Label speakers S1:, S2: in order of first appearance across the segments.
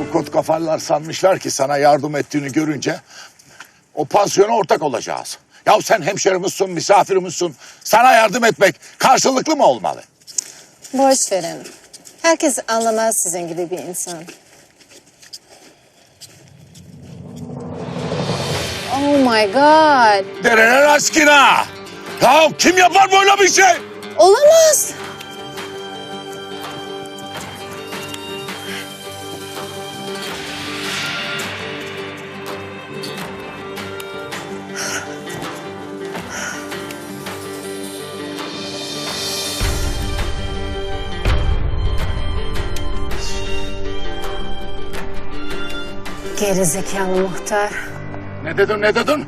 S1: Bu kot kafalılar sanmışlar ki sana yardım ettiğini görünce o pansiyona ortak olacağız. Ya sen hemşerimizsin, misafirimizsin. Sana yardım etmek karşılıklı mı olmalı?
S2: Boş verin. Herkes anlamaz sizin gibi bir insan. Oh my God.
S1: Dereler aşkına! Ya kim yapar böyle bir şey?
S2: Olamaz. Gerizekalı muhtar.
S1: Ne dedin?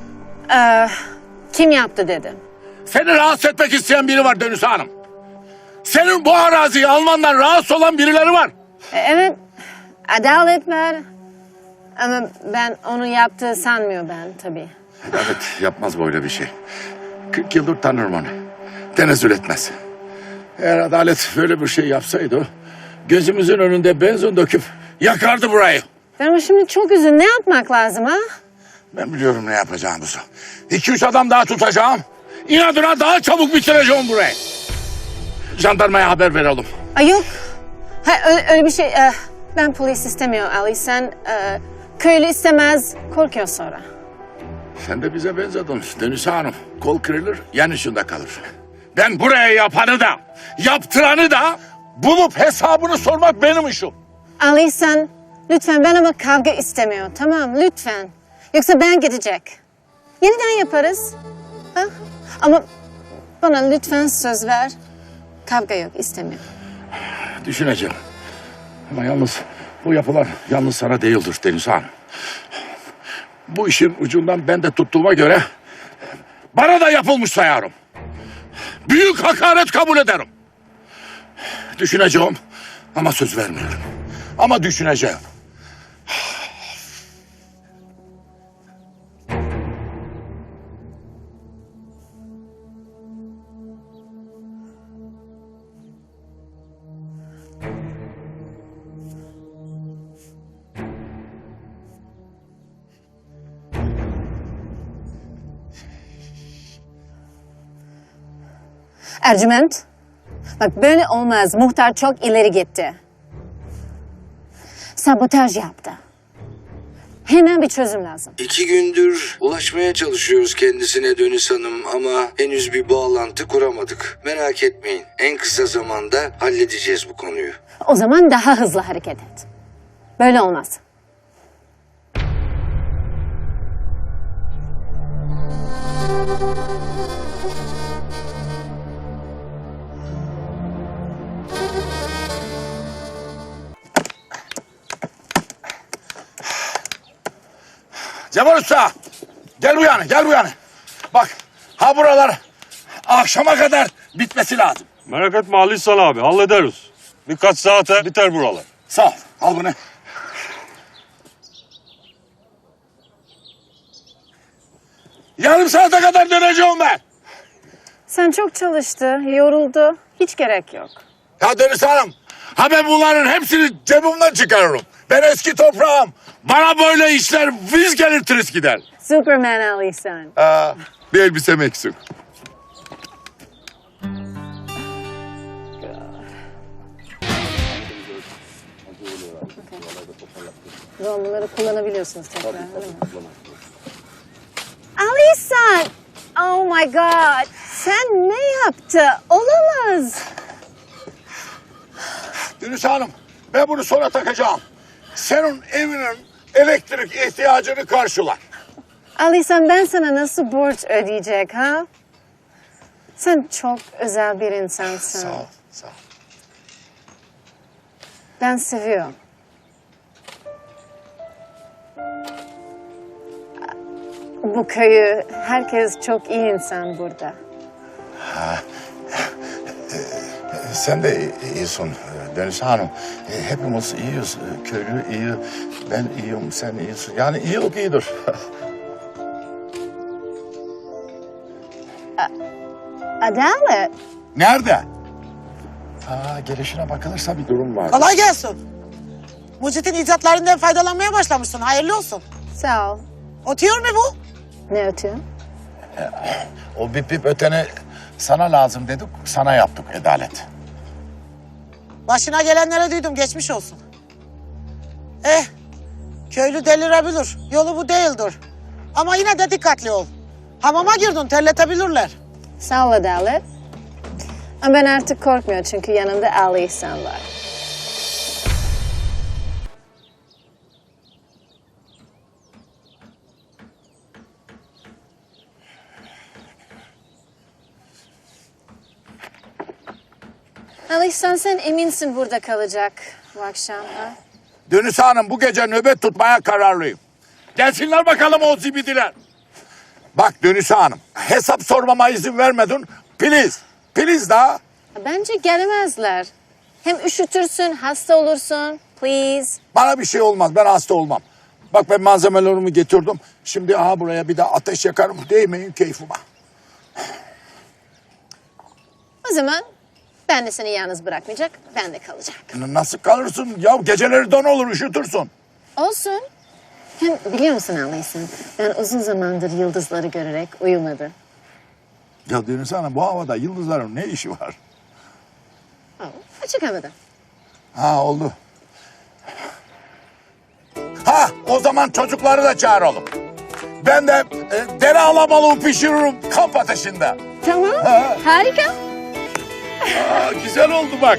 S2: Kim yaptı dedim.
S1: Seni rahatsız etmek isteyen biri var Dönüs Hanım. Senin bu araziyi almandan rahatsız olan birileri var.
S2: Evet, adalet var. Ama ben onu yaptığı sanmıyor ben tabii.
S1: Evet, yapmaz böyle bir şey. 40 yıldır tanırım onu. Tenezzül etmez. Eğer adalet böyle bir şey yapsaydı, gözümüzün önünde benzin döküp yakardı burayı.
S2: Ben ama şimdi çok üzüldüm. Ne yapmak lazım ha?
S1: Ben biliyorum ne yapacağımızı. 2-3 adam daha tutacağım. İnadına daha çabuk bitireceğim burayı. Jandarmaya haber verelim.
S2: Ay yok. Ha, öyle bir şey. Ben polis istemiyor Ali. Sen köylü istemez. Korkuyor sonra.
S1: Sen de bize benzedin Dönüs Hanım. Kol kırılır, yan üstünde kalır. Ben buraya yapanı da, yaptıranı da bulup hesabını sormak benim işim.
S2: Ali sen lütfen ben ama kavga istemiyor. Tamam lütfen. Yoksa ben gidecek. Yeniden yaparız. Ha? Ama bana lütfen söz ver. Kavga yok istemiyor.
S1: Düşüneceğim. Ama yalnız bu yapılar yalnız sana değildir Deniz Hanım. Bu işin ucundan ben de tuttuğuma göre bana da yapılmış sayarım. Büyük hakaret kabul ederim. Düşüneceğim ama söz vermiyorum. Ama düşüneceğim.
S2: Ercüment. Bak böyle olmaz. Muhtar çok ileri gitti. Sabotaj yaptı. Hemen bir çözüm lazım.
S3: 2 gündür ulaşmaya çalışıyoruz kendisine Dönüs Hanım ama henüz bir bağlantı kuramadık. Merak etmeyin. En kısa zamanda halledeceğiz bu konuyu.
S2: O zaman daha hızlı hareket et. Böyle olmaz.
S1: Cemal Usta, gel bu yana. Bak, ha buralar akşama kadar bitmesi lazım.
S4: Merak etme Ali İhsan abi, hallederiz. Birkaç saate biter buralar.
S1: Sağ ol, al bunu. Yarım saate kadar döneceğim ben.
S2: Sen çok çalıştı, yoruldu. Hiç gerek yok.
S1: Ya Deniz Hanım, ha ben bunların hepsini cebimden çıkarırım. Ben eski toprağım. Bana böyle işler viz gelir tırıs gider.
S2: Superman Ali sen.
S1: Bir elbisem eksik.
S2: Bunları kullanabiliyorsunuz tekrar değil mi? Ali sen! Oh my God! Sen ne yaptı? Olamaz!
S1: Deniz Hanım, ben bunu sonra takacağım. Senin evinin elektrik ihtiyacını karşılar.
S2: Ali sen ben sana nasıl borç ödeyecek ha? Sen çok özel bir insansın.
S1: Sağ ol, sağ ol.
S2: Ben seviyorum. Bu köyü, herkes çok iyi insan burada.
S1: Sen de iyisin Deniz Hanım. Hepimiz iyiyiz. Köylü iyi, ben iyiyim, sen iyisin. Yani iyilik iyidir.
S2: Adalet.
S1: Nerede? Gelişine bakılırsa bir durum var.
S5: Kolay gelsin. Mucit'in icatlarından faydalanmaya başlamışsın. Hayırlı olsun.
S2: Sağ ol.
S5: Ötüyor mu bu?
S2: Ne ötüyor?
S1: O bip bip öteni sana lazım dedik, sana yaptık Adalet.
S5: Başına gelenlere duydum, geçmiş olsun. Köylü delirebilir. Yolu bu değildir. Ama yine de dikkatli ol. Hamama girdin, terletebilirler.
S2: Sağ ol Adalet. Ama ben artık korkmuyorum çünkü yanımda Ali İhsan var. Ali İhsan, sen eminsin burada kalacak bu akşam ha?
S1: Dönüs Hanım, bu gece nöbet tutmaya kararlıyım. Gelsinler bakalım o zibidiler. Bak Dönüs Hanım, hesap sormama izin vermedin. Please, please daha.
S2: Bence gelemezler. Hem üşütürsün, hasta olursun. Please.
S1: Bana bir şey olmaz, ben hasta olmam. Bak ben malzemelerimi getirdim. Şimdi aha buraya bir de ateş yakarım. Değmeyin keyfime.
S2: O zaman ben de seni yalnız bırakmayacak, ben de kalacak.
S1: Nasıl kalırsın? Ya geceleri don olur, üşütürsün.
S2: Olsun. Hem biliyor musun Ali İhsan, ben uzun zamandır yıldızları görerek uyumadım.
S1: Ya Dönüs Hanım, bu havada yıldızların ne işi var?
S2: Açık havada.
S1: Ha oldu. Ha o zaman çocukları da çağıralım. Ben de dere alabalığı pişiririm kamp ateşinde.
S2: Tamam,
S1: Ha.
S2: harika.
S1: Aa, güzel oldu bak.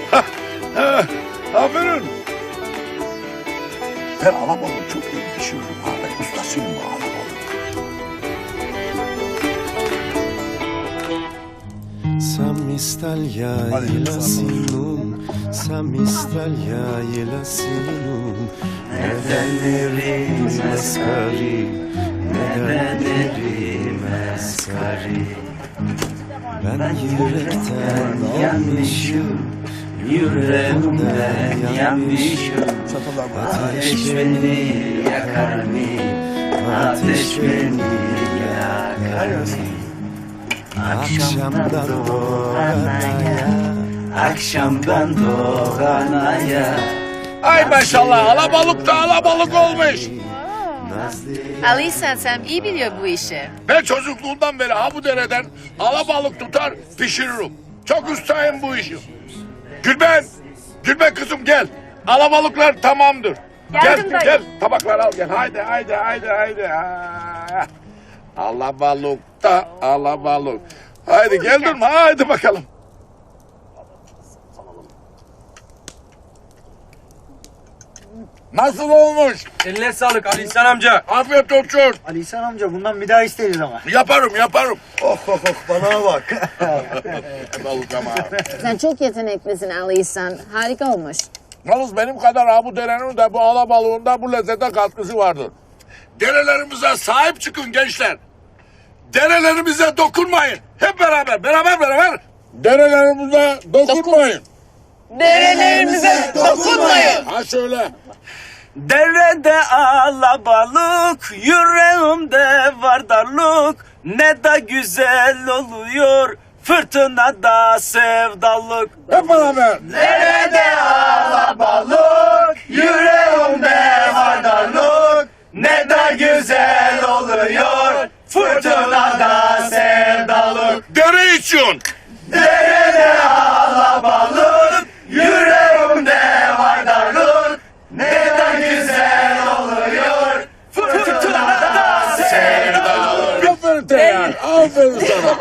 S1: Aferin. Ben alabalığı çok iyi pişiririm. Ha, ben ustasıyım bu alabalığı.
S6: Samistaglia sinun, samistaglia sinun. Nedenlerim asgari, nedenlerim asgari. Ben yürekten yanmışım, yüreğimden yanmışım. Ateş beni yakar mı? Ateş beni yakar mı? Akşamdan doğanaya, akşamdan doğanaya.
S1: Ay maşallah alabalık da alabalık olmuş.
S2: Ali İhsan, sen iyi biliyor bu işi.
S1: Ben çocukluğumdan beri ha bu dereden alabalık tutar pişiririm. Çok ustayım bu işi. Gülben, Gülben kızım gel. Alabalıklar tamamdır.
S2: Geldim
S1: gel,
S2: dayı.
S1: gel tabaklar al gel. Haydi. Ha. Alabalık da alabalık. Haydi geldin mi? Haydi bakalım. Nasıl olmuş?
S7: Eline sağlık Ali İhsan amca.
S1: Afiyet olsun.
S8: Ali İhsan amca bundan bir daha isteriz ama.
S1: Yaparım.
S8: Oh bana bak.
S1: Balık ama.
S2: Sen çok yeteneklisin Ali İhsan. Harika olmuş.
S1: Yalnız benim kadar ha bu derenin de bu alabalığında bu lezzete katkısı vardır. Derelerimize sahip çıkın gençler. Derelerimize dokunmayın. Hep beraber. Derelerimize dokunmayın.
S5: Derelerimize dokunmayın.
S1: Ha şöyle.
S7: Derede alabalık, yüreğimde var darlık. Ne da güzel oluyor, fırtınada sevdalık.
S1: Hep beraber.
S7: Derede alabalık, yüreğimde var darlık. Ne da güzel oluyor, fırtınada sevdalık.
S1: Dere için.
S7: Derede alabalık, yüreğimde var darlık. Ne da güzel oluyor, fırtınada sevdalık.
S1: Aferin Teyhan. Aferin sana.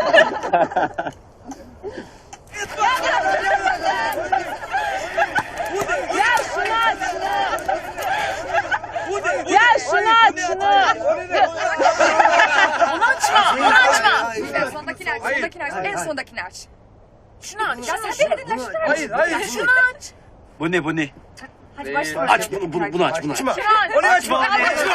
S9: Gel şunu aç şunu. Onu açma. Sondakini aç. En sondakini aç. Şunu aç. Ya sen beni dinle şunu aç. Ya şunu aç.
S7: Bu ne?
S9: Hadi başla.
S7: Aç bunu aç.
S9: Şunu aç.
S7: Onu açma.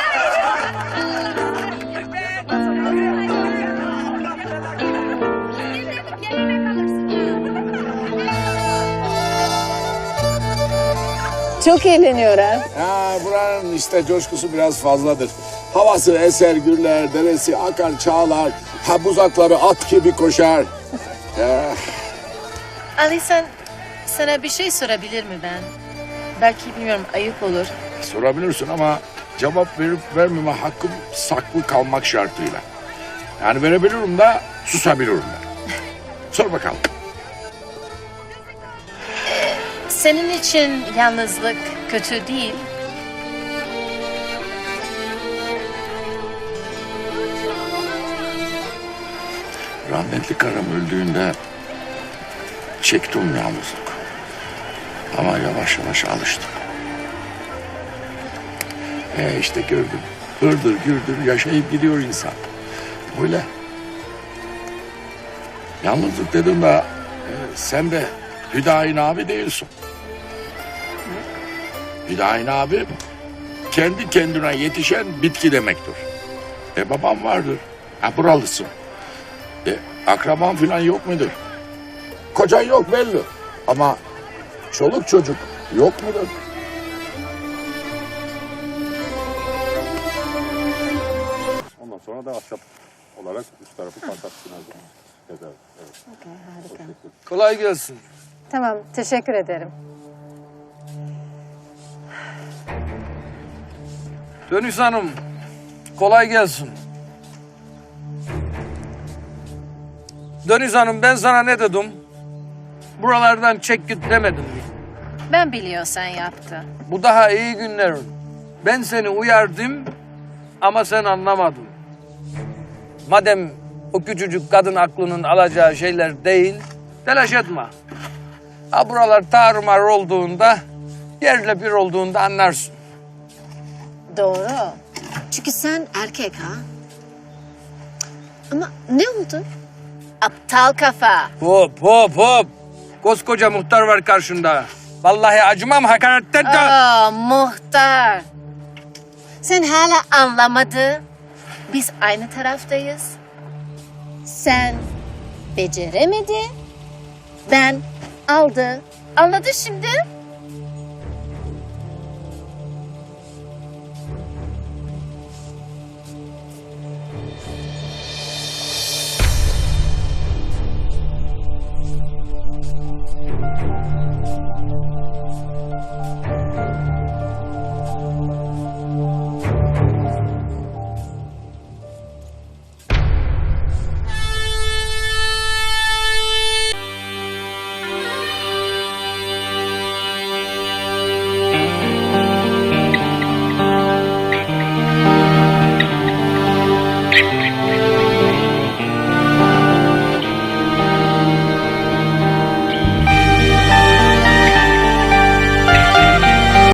S2: Çok eğleniyorlar.
S1: Ha buranın işte coşkusu biraz fazladır. Havası eser gürler, deresi akar çağlar. Ha buzakları at gibi koşar. Ya.
S10: Ali, sana bir şey sorabilir mi ben?
S9: Belki bilmiyorum ayıp olur.
S1: Sorabilirsin ama cevap verip vermeme hakkım saklı kalmak şartıyla. Yani verebilirim de susabilirim de. Sor bakalım.
S9: Senin için yalnızlık kötü değil.
S1: Rahmetli karım öldüğünde çektim yalnızlık. Ama yavaş yavaş alıştım. İşte gördüm. Hırdır gürdür yaşayıp gidiyor insan. Böyle. Yalnızlık dedim de sen de Hüdayin abi değilsin. Hüdayin abi kendi kendine yetişen bitki demektir. Babam vardır. Buralısın. Akraban falan yok mudur? Kocan yok belli. Ama çoluk çocuk yok mudur?
S4: Ondan sonra da ahşap olarak üst tarafı patlatsın. Evet.
S2: Okey, harika.
S7: Kolay gelsin.
S2: Tamam, teşekkür ederim.
S7: Dönüş Hanım, kolay gelsin. Dönüş Hanım, ben sana ne dedim? Buralardan çek git demedim mi?
S9: Ben biliyorsan yaptı.
S7: Bu daha iyi günlerin. Ben seni uyardım ama sen anlamadın. Madem o küçücük kadın aklının alacağı şeyler değil, telaş etme. Ha buralar tarumar olduğunda, yerle bir olduğunda anlarsın.
S2: Doğru. Çünkü sen erkek ha. Ama ne oldu? Aptal kafa.
S7: Hop hop hop. Koskoca muhtar var karşında. Vallahi acımam hakaretten de.
S2: Muhtar. Sen hala anlamadı. Biz aynı taraftayız. Sen beceremedi. Ben aldı. Anladı şimdi.